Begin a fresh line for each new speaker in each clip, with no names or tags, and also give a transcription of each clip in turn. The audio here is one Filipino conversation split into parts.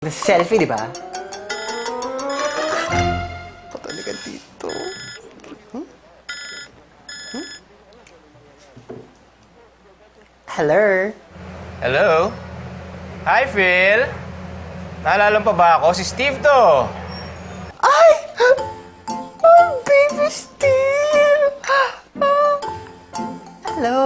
Selfie, di ba? Patalikan dito. Hello?
Hello? Hi, Phil! Naalala mo pa ba ako? Si Steve to!
Ay! Oh, baby Steve! Hello?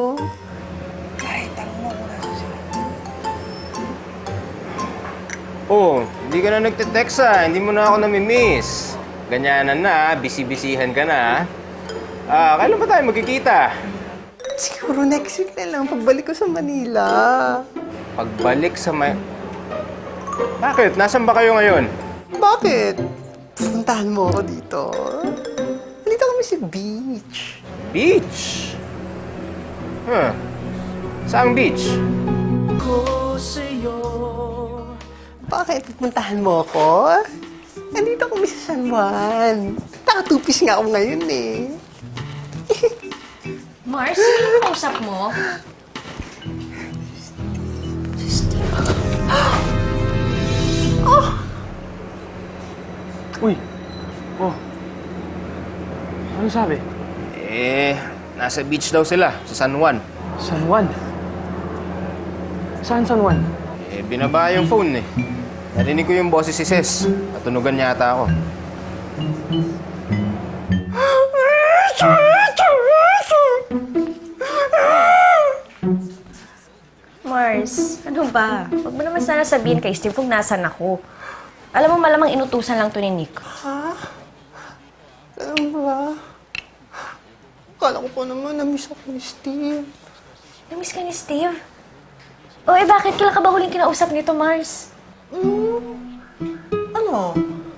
Oh, hindi ka na nagte-text hindi mo na ako namimiss. Ganyanan na, busy-busyhan ka na. Kailan ba tayo magkikita?
Siguro next week na lang, pagbalik ko sa Manila.
Pagbalik sa Bakit? Nasaan ba kayo ngayon?
Bakit? Puntahan mo ako dito. Dito kami sa beach.
Beach? Huh. Saang beach?
Bakit? Pupuntahan mo ako? Nandito kami sa San Juan. Nakatupis nga ako ngayon eh.
Mars, sino yung kausap mo?
Uy! Oh. Ano sabi?
Nasa beach daw sila, sa San Juan.
San Juan? Saan San Juan?
Binaba yung phone eh. Narinig ko yung boses si Ses. Natunugan yata ako.
Mars, ano ba? Huwag mo naman sana sabihin kay Steve kung nasan ako. Alam mo, malamang inutusan lang to ni Nick.
Ha? Alam ba? Akala ko pa naman na-miss ako ni Steve.
Namiss ka ni Steve? O bakit? Kailan ka ba huling kinausap nito, Mars?
Ano?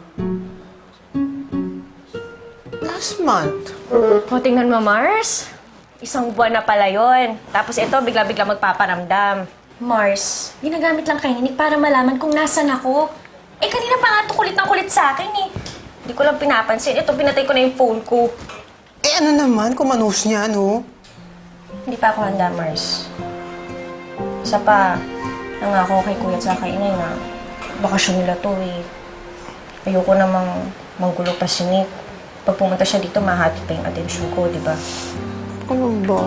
Last month.
O, tingnan mo, Mars. Isang buwan na pala yon. Tapos ito, bigla-bigla magpaparamdam. Mars, ginagamit lang kay Nick para malaman kung nasan ako. Kanina pa nga ito kulit ng kulit sa akin eh. Hindi ko lang pinapansin. Ito, pinatay ko na yung phone ko.
Ano naman, kumanos niya, no?
Hindi pa ako handa, Mars. Isa pa, nangako kay Kuya at kay Inay na bakasyon nila to eh. Ayoko namang manggulo pa si Nick. Pag pumunta siya dito, mahati pa yung atensyon ko, di ba?
Ano ba?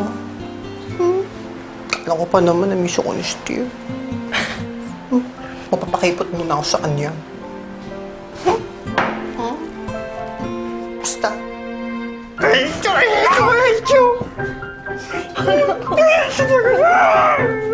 Alam ko pa naman na-miss ako ni Steve. Mapapakipot muna ako sa kanya. Basta. I hate you!